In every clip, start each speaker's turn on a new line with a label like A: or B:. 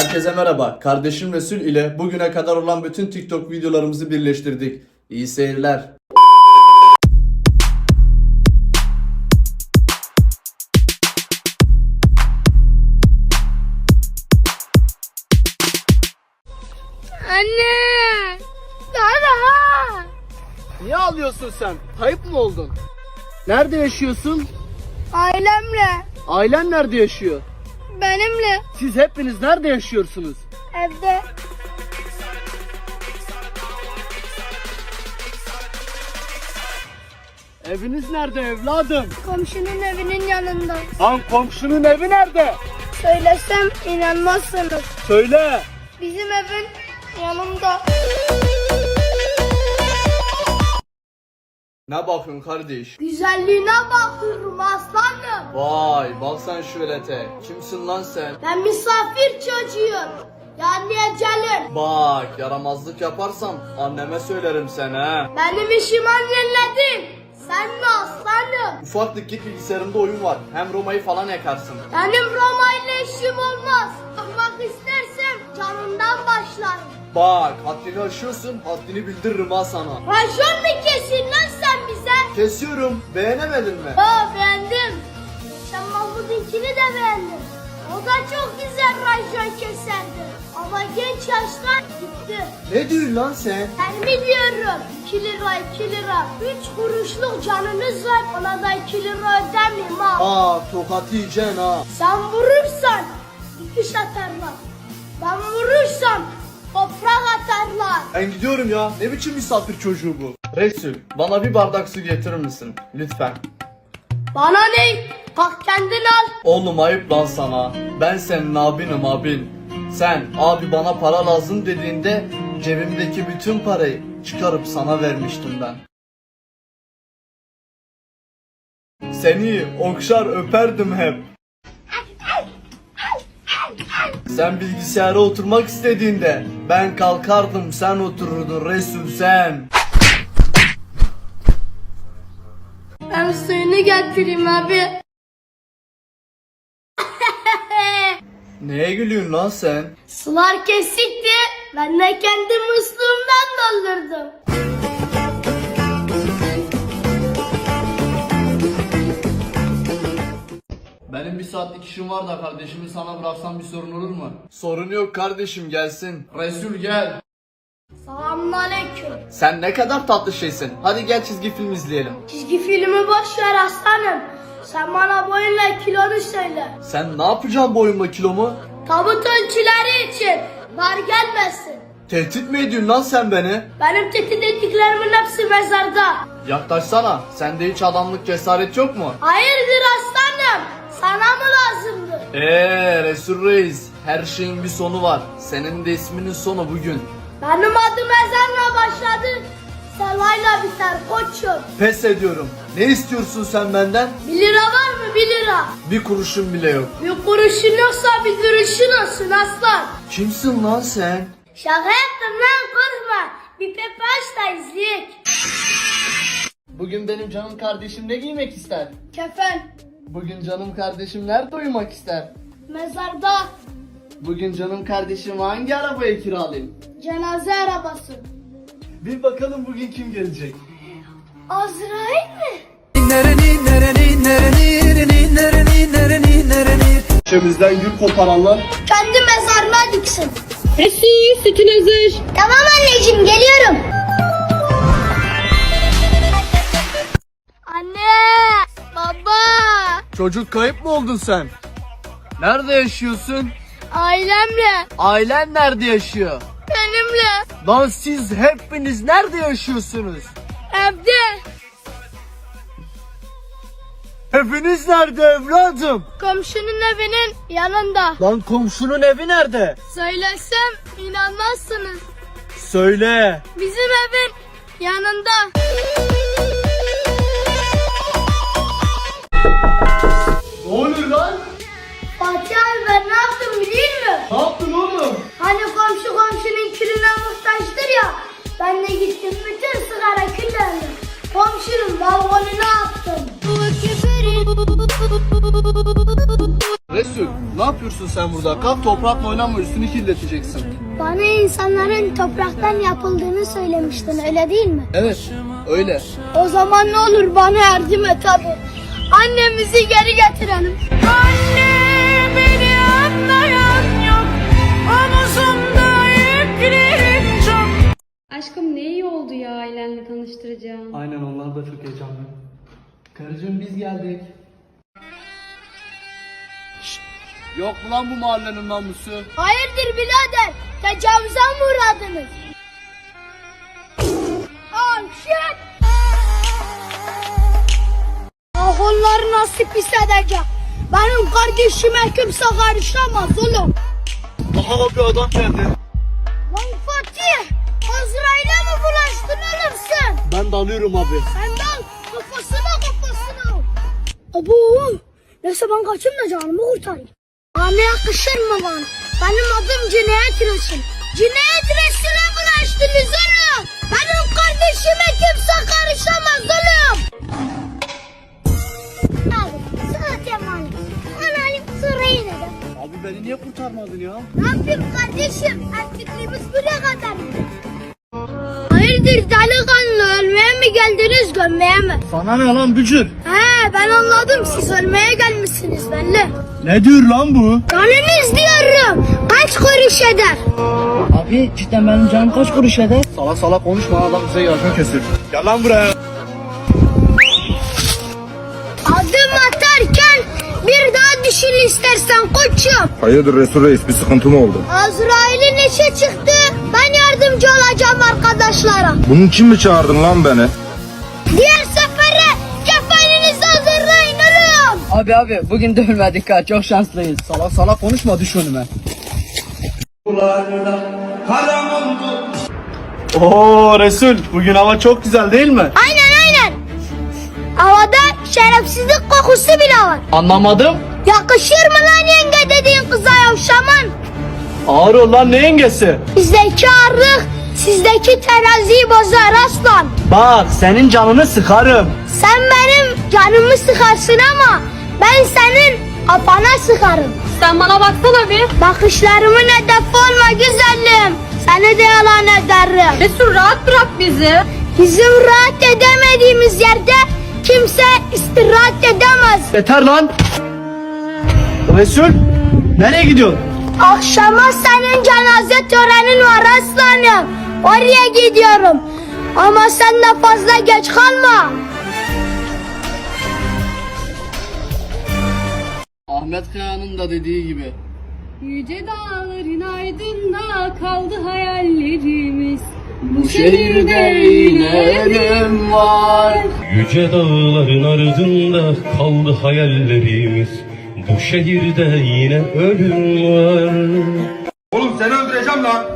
A: Herkese merhaba. Kardeşim Resul ile bugüne kadar olan bütün TikTok videolarımızı birleştirdik. İyi seyirler.
B: Anne! Daha!
C: Niye ağlıyorsun sen? Kayıp mı oldun? Nerede yaşıyorsun?
B: Ailemle,
C: Ailen nerede yaşıyor?
B: benimle,
C: Siz hepiniz nerede yaşıyorsunuz?
B: evde.
C: Eviniz nerede evladım?
B: Komşunun evinin yanında.
C: Lan komşunun evi nerede?
B: Söylesem inanmazsınız.
C: Söyle.
B: Bizim evin yanında.
A: Ne bakıyorsun kardeş?
B: Güzelliğine bakıyorum aslanım.
A: Vay bak sen şu velete. Kimsin lan sen?
B: Ben misafir çocuğuyum. Yani ecelim.
A: Bak yaramazlık yaparsam anneme söylerim sen ha.
B: Benim işim annenle değil. Sen mi aslanım?
A: Ufaklık git bilgisayarımda oyun var. Hem Roma'yı falan yakarsın.
B: Benim Roma ile işim olmaz. Bakmak istersem canından başlarım.
A: Bak haddini aşıyorsun, haddini bildiririm ha sana.
B: Rajon mu kesin lan sen bize?
A: Kesiyorum, beğenemedin mi?
B: Beğendim. Sen Mahmut'unkini de beğendim. O da çok güzel rajon keserdi. Ama genç yaşta gitti.
A: Ne diyorsun lan sen?
B: Ben biliyorum. 2 lira 2 lira. 3 kuruşluk canınız var. Ona da 2 lira ödemeyeyim ha.
A: Aa tokat yiyeceksin ha.
B: Sen vurursan dikiş atarlar. Ben vurursam toprak atarlar.
A: Ben gidiyorum ya. Ne biçim misafir çocuğu bu? Resul, bana bir bardak su getirir misin? Lütfen.
B: Bana ne? Kalk kendin al.
A: Oğlum ayıp lan sana. Ben senin abinim abin. Sen abi bana para lazım dediğinde cebimdeki bütün parayı çıkarıp sana vermiştim ben. Seni okşar öperdim hep. Sen bilgisayara oturmak istediğinde ben kalkardım sen otururdun Resul sen.
B: Ben suyunu getireyim abi.
A: Neye gülüyorsun lan sen?
B: Sular kesikti. Ben de kendi musluğumdan doldurdum.
A: Benim bir saatlik işim var da kardeşimi sana bıraksam bir sorun olur mu? Sorun yok kardeşim gelsin. Resul gel.
B: Selamünaleyküm.
A: Sen ne kadar tatlı şeysin. Hadi gel çizgi film izleyelim.
B: Çizgi filmi boş ver aslanım. Sen bana boyunla kilonu söyle.
A: Sen ne yapacaksın boyunla kilomu?
B: Tabut ölçüleri için dar gelmesin.
A: Tehdit mi ediyorsun lan sen beni?
B: Benim tehdit ettiklerimin hepsi mezarda.
A: Yaklaşsana. Sende hiç adamlık cesaret yok mu?
B: Hayırdır aslanım? Sana mı lazımdı?
A: Resul Reis. Her şeyin bir sonu var. Senin de isminin sonu bugün.
B: Benim adım ezanla başladı. Selayla biter koçum.
A: Pes ediyorum. Ne istiyorsun sen benden?
B: 1 lira var mı 1 lira?
A: Bir kuruşun bile yok.
B: Bir kuruşun yoksa bir duruşun olsun aslan.
A: Kimsin lan sen?
B: Şaka yaptım lan korkma. Bir pepe aç da izleyek.
C: Bugün benim canım kardeşim ne giymek ister?
B: Kefen.
C: Bugün canım kardeşim nerede uyumak ister?
B: Mezarda.
C: Bugün canım kardeşim hangi arabayı kiralayayım?
B: Cenaze arabası.
C: Bir bakalım bugün kim gelecek?
B: Azrail mi?
A: İçimizden gül koparanlar.
B: Kendi mezarına diksin.
D: Resul, sütün hazır.
B: Tamam anneciğim geliyorum. Anne, baba,
A: Çocuk kayıp mı oldun sen? Nerede yaşıyorsun?
B: ailemle,
A: Ailen nerede yaşıyor?
B: benimle,
A: Lan siz hepiniz nerede yaşıyorsunuz?
B: evde,
A: Hepiniz nerede evladım?
B: komşunun evinin yanında.
A: Lan komşunun evi nerede?
B: Söylesem inanmazsınız.
A: Söyle.
B: Bizim evin yanında.
A: Ne oluyor lan?
B: Fatih abi ben ne yaptım biliyor musun?
A: Ne yaptın oğlum?
B: Hani komşu komşunun külüne muhtaçtır ya. Ben de gittim bütün sigara küllerini komşunun balkonuna attım.
A: Resul ne yapıyorsun sen
C: sen burada? Kalk toprakla oynama, üstünü kirleteceksin.
B: Bana insanların topraktan yapıldığını söylemiştin, öyle değil mi?
C: Evet, öyle.
B: O zaman ne olur bana yardım et hadi. Annemizi geri getirelim. Anne, beni anlayan yok. Omuzumda yüklerin çok.
D: Aşkım ne iyi oldu ya ailenle tanıştıracağım.
A: Aynen, onlar da çok heyecanlı. Karıcığım biz geldik.
C: Yok mu lan bu mahallenin namusu?
B: Hayırdır birader? Tecavüze mi uğradınız? Shit! Ah, onları nasıl pis edecek? Benim kardeşime kimse karışamaz oğlum.
C: Aha bir adam geldi.
B: Lan Fatih! Azrail'e mi bulaştın oğlum sen?
C: Ben de alıyorum abi.
B: Sen de al, kafasına. Abo! Neyse ben kaçayım da canımı kurtarayım. Bana yakışır mı bana? Benim adım Cinayet Resul. Cinayet Resul'e bulaştınız oğlum. Benim kardeşime kimse karışamaz oğlum. Abi zaten var. Analım sorayı dedim.
C: Abi beni niye kurtarmadın ya?
B: Ne yapayım kardeşim? Erkekliğimiz buraya kadar. Hayırdır delikanlı, ölmeye mi geldiniz gömmeye mi?
C: Sana ne lan bücür?
B: He ben anladım, siz ölmeye gelmişsiniz belli.
C: Ne diyor lan bu?
B: Canınız diyorum. Kaç kuruş eder?
E: Abi cidden benim canım kaç kuruş eder?
C: Salak salak konuşma, adam bize yardım kesir. Gel lan buraya.
B: Adım atarken bir daha düşün istersen koçum.
F: Hayırdır Resul Reis, bir sıkıntı mı oldu?
B: Azrail'in işe çıktı. Ben yardımcı olacağım arkadaşlara.
F: Bunun için mi çağırdın lan beni?
B: Diğer sefere kefeninizi hazırlayın oğlum.
E: Abi bugün de ölmedik ha, çok şanslıyız.
C: Salak salak konuşma, düş önüme. Oo Resul, bugün hava çok güzel değil mi?
B: Aynen. Havada şerefsizlik kokusu bile var.
C: Anlamadım.
B: Yakışır mı lan yenge dediğin kıza yavşaman?
C: Ağır ol lan, ne yengesi?
B: Bizdeki ağırlık sizdeki teraziyi bozar aslan.
C: Bak senin canını sıkarım.
B: Sen benim canımı sıkarsın ama ben senin apana sıkarım.
D: Sen bana baksana bir.
B: Bakışlarımın hedefi olma güzelim. Seni de yalan ederim.
D: Resul rahat bırak bizi.
B: Bizim rahat edemediğimiz yerde kimse istirahat edemez.
C: Yeter lan. Resul, nereye gidiyorsun?
B: Akşama senin cenaze törenin var aslanım. Oraya gidiyorum. Ama sen de fazla geç kalma.
C: Ahmet Kaya'nın da dediği gibi.
D: Yüce dağların ardında kaldı hayallerimiz.
C: Bu şehirde yine ölüm var.
G: Yüce dağların ardında kaldı hayallerimiz. Bu şehirde yine ölüm var.
F: Oğlum seni öldüreceğim lan.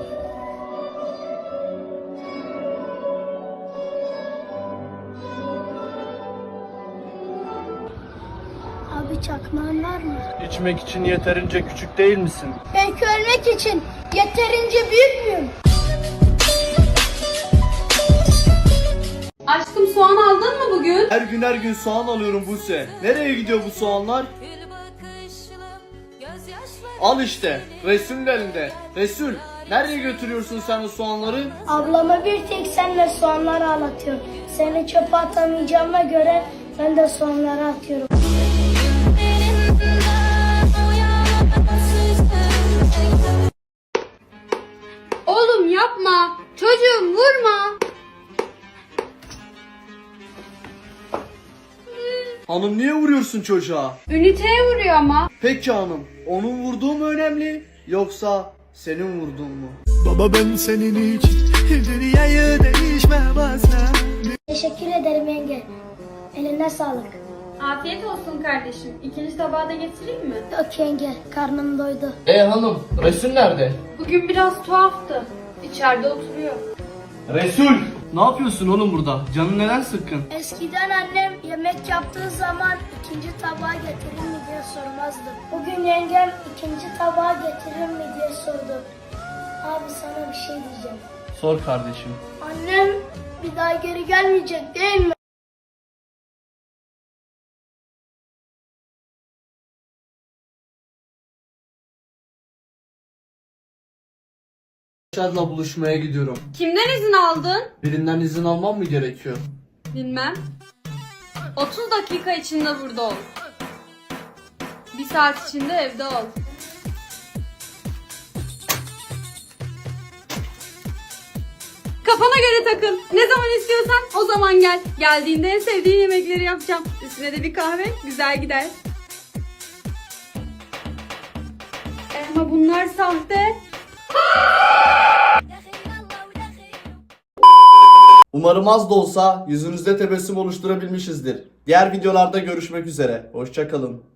B: Abi çakmağın var mı?
C: İçmek için yeterince küçük değil misin?
B: Belki ölmek için yeterince büyük müyüm?
D: Aşkım soğan aldın mı bugün?
A: Her gün soğan alıyorum Buse. Nereye gidiyor bu soğanlar? Al işte. Resul'ün elinde. Resul, nereye götürüyorsun sen o soğanları?
B: Ablama bir tek senle soğanları ağlatıyorum. Seni çöpe atamayacağıma göre ben de soğanları atıyorum.
D: Oğlum yapma. Çocuğum vurma.
A: Hanım niye vuruyorsun çocuğa?
D: Üniteye vuruyor ama.
A: Peki hanım, onun vurduğu mu önemli yoksa senin vurduğun mu?
H: Baba ben senin için dünyayı değişmem asla.
B: Teşekkür ederim yenge. Eline sağlık.
D: Afiyet olsun kardeşim. İkinci tabağı da getireyim mi?
B: Yok yenge, karnım doydu.
C: Hanım, Resul nerede?
D: Bugün biraz tuhaftı. İçeride oturuyor.
C: Resul! Ne yapıyorsun oğlum burada? Canın neden sıkkın?
B: Eskiden annem yemek yaptığı zaman ikinci tabağı getirir mi diye sormazdı. Bugün yengem ikinci tabağı getirir mi diye sordu. Abi sana bir şey diyeceğim.
C: Sor kardeşim.
B: Annem bir daha geri gelmeyecek değil mi?
A: Şad'la buluşmaya gidiyorum.
D: Kimden izin aldın?
A: Birinden izin almam mı gerekiyor?
D: Bilmem. 30 dakika içinde burada ol. 1 saat içinde evde ol. Kafana göre takıl. Ne zaman istiyorsan o zaman gel. Geldiğinde en sevdiğin yemekleri yapacağım. Üstüne de bir kahve güzel gider. Ama bunlar sahte.
A: Umarım az da olsa yüzünüzde tebessüm oluşturabilmişizdir. Diğer videolarda görüşmek üzere. Hoşça kalın.